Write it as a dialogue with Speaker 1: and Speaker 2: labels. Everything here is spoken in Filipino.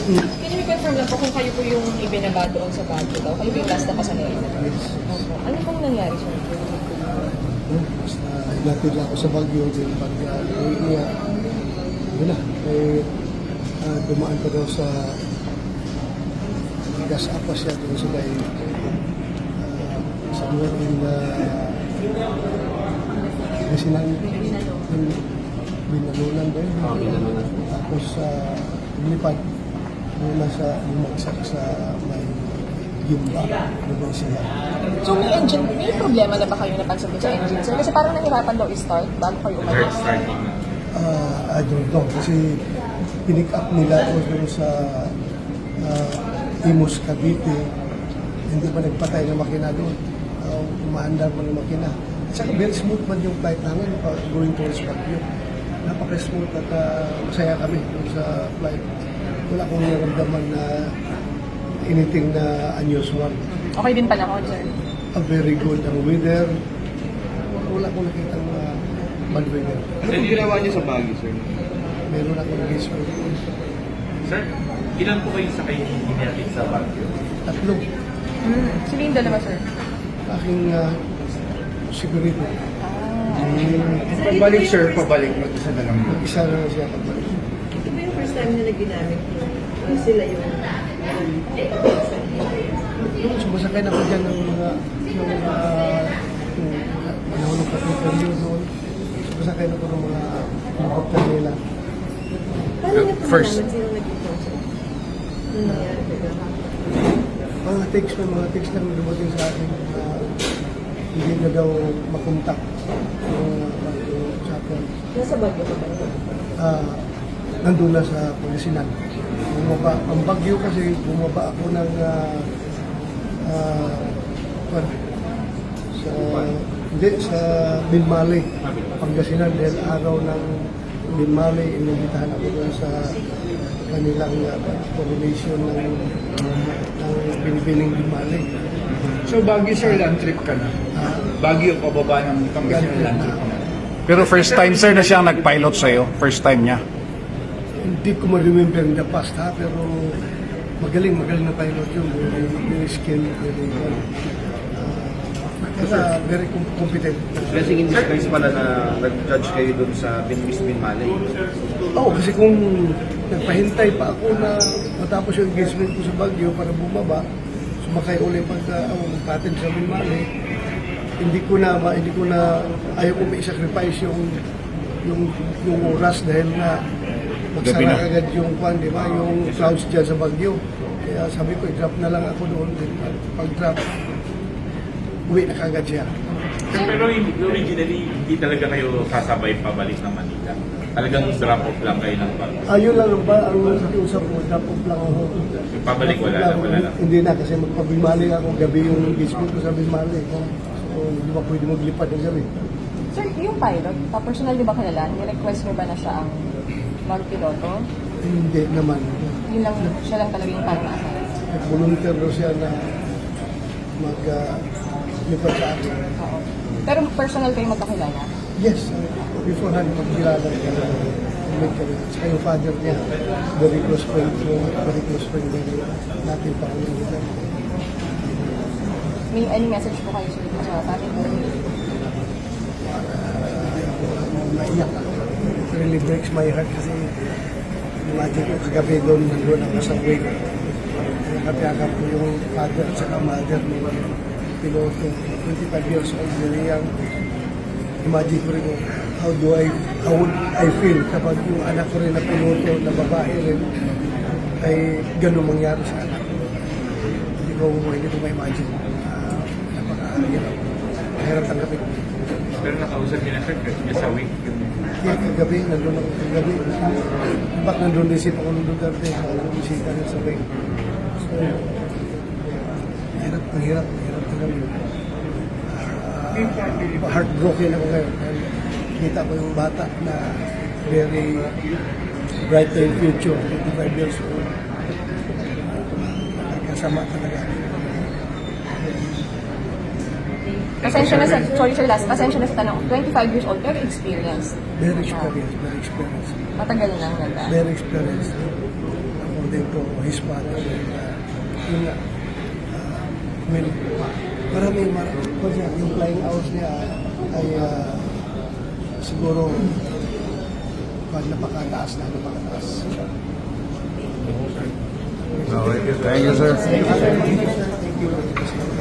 Speaker 1: Can you confirm lang po kung kayo po yung ibinaba doon sa Baguio daw? Kayo po yung last na pasahero? Opo. Ano pong nangyari, sir?
Speaker 2: Basta ilatid lang ako sa Baguio, din pag uwi niya, yun na, dumaan pa daw sa gas apa siya doon sa may sa mga Basilan, Binalunan ba yun?
Speaker 3: Binalunan.
Speaker 2: Tapos lumipad mula sa bumagsak sa may Gimba, doon siya.
Speaker 1: So may problema na ba kayo napansin sa engine, sir? Kasi parang nahirapan daw i-start bago kayo umalis.
Speaker 2: I don't know, kasi pinick up nila ako doon sa Imus, Cavite. Hindi pa nagpatay ng makina doon. Umaandar mo ng makina. At saka very smooth man yung flight namin going towards Baguio. Napaka-smooth at masaya kami doon sa flight. Wala akong naramdaman na anything na unusual.
Speaker 1: Okay din pala ako, sir.
Speaker 2: Very good ang weather. Wala akong nakita bad weather.
Speaker 3: Ano yung ginawa niyo sa Baguio, sir?
Speaker 2: Meron akong engagement.
Speaker 4: Sir, ilan po kayo sa kayo hinatid sa Baguio?
Speaker 2: Tatlo.
Speaker 1: Sino yung dalawa, sir?
Speaker 2: Aking sigurito.
Speaker 3: Pagbalik, sir, pabalik. Mag-isa na lang.
Speaker 2: Mag-isa na siya pagbalik.
Speaker 5: Ito ba yung first time na ginamit sila yung
Speaker 2: Yung sumasakay na ko dyan ng mga panahon ng kapitolyo noon. Sumasakay na ko ng mga helicopter nila.
Speaker 5: Paano niyo po
Speaker 3: First.
Speaker 5: nalaman sino nag-sponsor? Ano nangyari ba?
Speaker 2: Mga text lang dumating sa akin na hindi na daw makontak yung sa akin.
Speaker 5: Nasa Baguio pa ba yun?
Speaker 2: Nandun na sa Pangasinan. Bumaba. Ang Bagyo kasi bumaba ako ng sa Binmali, Pangasinan dahil araw ng Binmali, inibitahan ako doon sa kanilang coronation ng Binibining Binmali.
Speaker 3: So, Baguio, sir, land trip ka na? Baguio, pababa ng Pangasinan land trip ka na?
Speaker 6: Pero first time sir na siyang nag-pilot sa'yo? First time niya?
Speaker 2: Hindi ko ma-remember in the past pero magaling na pilot yun. Very skilled, very competent.
Speaker 7: Blessing in disguise pala na nag-judge kayo dun sa Miss Binmalay.
Speaker 2: Oo, kasi kung nagpahintay pa ako na matapos yung engagement ko sa Baguio para bumaba, sumakay ulit patin sa Binmali, hindi ko na ayaw ko i-sacrifice yung oras dahil na magsara agad yung di ba, yung clouds dyan sa Baguio. Kaya sabi ko, i-drop na lang ako doon. Pag-drop, uwi na kagad siya.
Speaker 4: Pero originally, hindi talaga kayo sasabay pabalik ng Manila. Talagang drop-off lang kayo ng Baguio.
Speaker 2: Ayun lang ang usap ko, drop off lang ako.
Speaker 4: Pabalik, wala lang.
Speaker 2: Hindi na, kasi magpabimali ako, gabi yung engagement ko sa Bimali. So, hindi ba pwede maglipad ng gabi.
Speaker 1: Sir, yung pilot, personal di ba kilala? Ni-request mo ba na siya ang magpiloto?
Speaker 2: Hindi naman.
Speaker 1: Yun lang, siya lang talaga yung parang nasa.
Speaker 2: Volunteer daw siya na maglipad sa akin.
Speaker 1: Oo. Pero personal kayo magkakilala?
Speaker 2: Yes, beforehand magkilala ka na saka yung father niya, very close friend din natin pa kami nila.
Speaker 1: May any message po kayo sir sa family?
Speaker 2: Naiyak ako. It really breaks my heart kasi imagine ko kagabi doon nandun ako sa wake. Nakapiyakap ko yung father at saka mother ni piloto, 25 years old, very young. Imagine ko rin how would I feel kapag yung anak ko rin na piloto na babae rin ay gano'ng mangyari sa anak ko. Hindi ko ma-imagine. Napaka-hirap. Mahirap tanggapin.
Speaker 4: Pero nakausap niya na sir, niya sa week.
Speaker 2: Yeah, kagabi, nandun ako kagabi. Ba't nandun din si Pangulong Duterte, bisita rin sa Bay. So, ang hirap tanggapin. Heartbroken ako ngayon. Kita ko yung bata na very bright in future, 25 years old. Kasama talaga.
Speaker 1: Pasensya na sa, sorry sir last, pasensya na sa tanong, 25 years old, pero experienced.
Speaker 2: Very experienced.
Speaker 1: Matagal na ganda.
Speaker 2: Very experienced. Ako din according to his father. Yun nga. I mean, marami, yung flying hours niya ay siguro pag napakataas.
Speaker 6: Okay. Thank you, sir.
Speaker 2: Thank you.